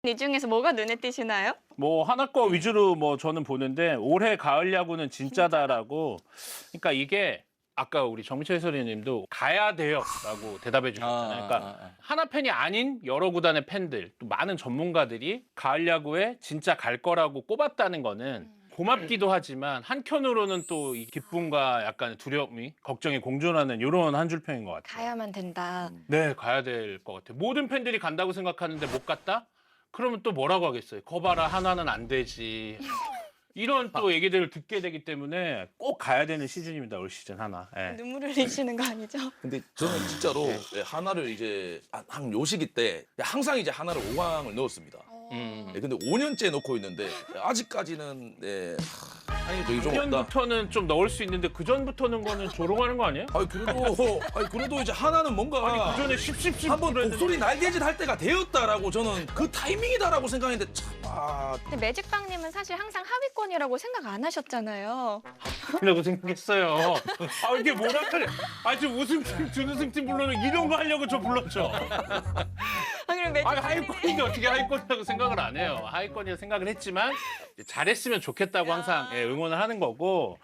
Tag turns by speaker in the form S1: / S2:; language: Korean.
S1: 이 중에서 뭐가 눈에 띄시나요?
S2: 뭐 하나 거 위주로 뭐 저는 보는데 올해 가을 야구는 진짜다라고. 그러니까 이게 아까 우리 정미철 해설위원님도 가야 돼요라고 대답해 주셨잖아요. 그러니까 하나 팬이 아닌 여러 구단의 팬들, 또 많은 전문가들이 가을 야구에 진짜 갈 거라고 꼽았다는 거는 고맙기도 하지만 한켠으로는 또 이 기쁨과 약간 두려움이, 걱정이 공존하는 이런 한 줄평인 것 같아요.
S1: 가야만 된다.
S2: 네, 가야 될 것 같아요. 모든 팬들이 간다고 생각하는데 못 갔다? 그러면 또 뭐라고 하겠어요? 거봐라, 하나는 안 되지. 이런 또 얘기들을 듣게 되기 때문에 꼭 가야 되는 시즌입니다, 올 시즌 하나. 예.
S1: 눈물을 흘리시는 거 아니죠?
S3: 근데 저는 진짜로 하나를 이제 한 요 시기 때 항상 이제 하나를 5강을 넣었습니다. 근데 5년째 넣고 있는데 아직까지는 아니 저기 좀 없다.
S2: 2년부터는 좀 넣을 수 있는데 그 전부터는 거는 조롱하는 거 아니에요?
S3: 그래도 이제 하나는 뭔가
S2: 그 전에 십십십
S3: 한번
S2: 그랬는데.
S3: 목소리 날개짓 할 때가 되었다라고 저는 그 타이밍이다라고 생각했는데 참
S1: 근데 매직빵님은 사실 항상 하위권이라고 생각 안 하셨잖아요.
S2: 라고 생각했어요. 아, 이게 뭐라 그래. 아, 지금 우승팀, 준우승팀 불러는 이런 거 하려고 저 불렀죠.
S1: 아, 그럼 매직...
S2: 아, 하위권인데 어떻게 하위권이라고 생각을 안 해요. 하위권이라고 생각을 했지만 잘했으면 좋겠다고 항상 응원을 하는 거고.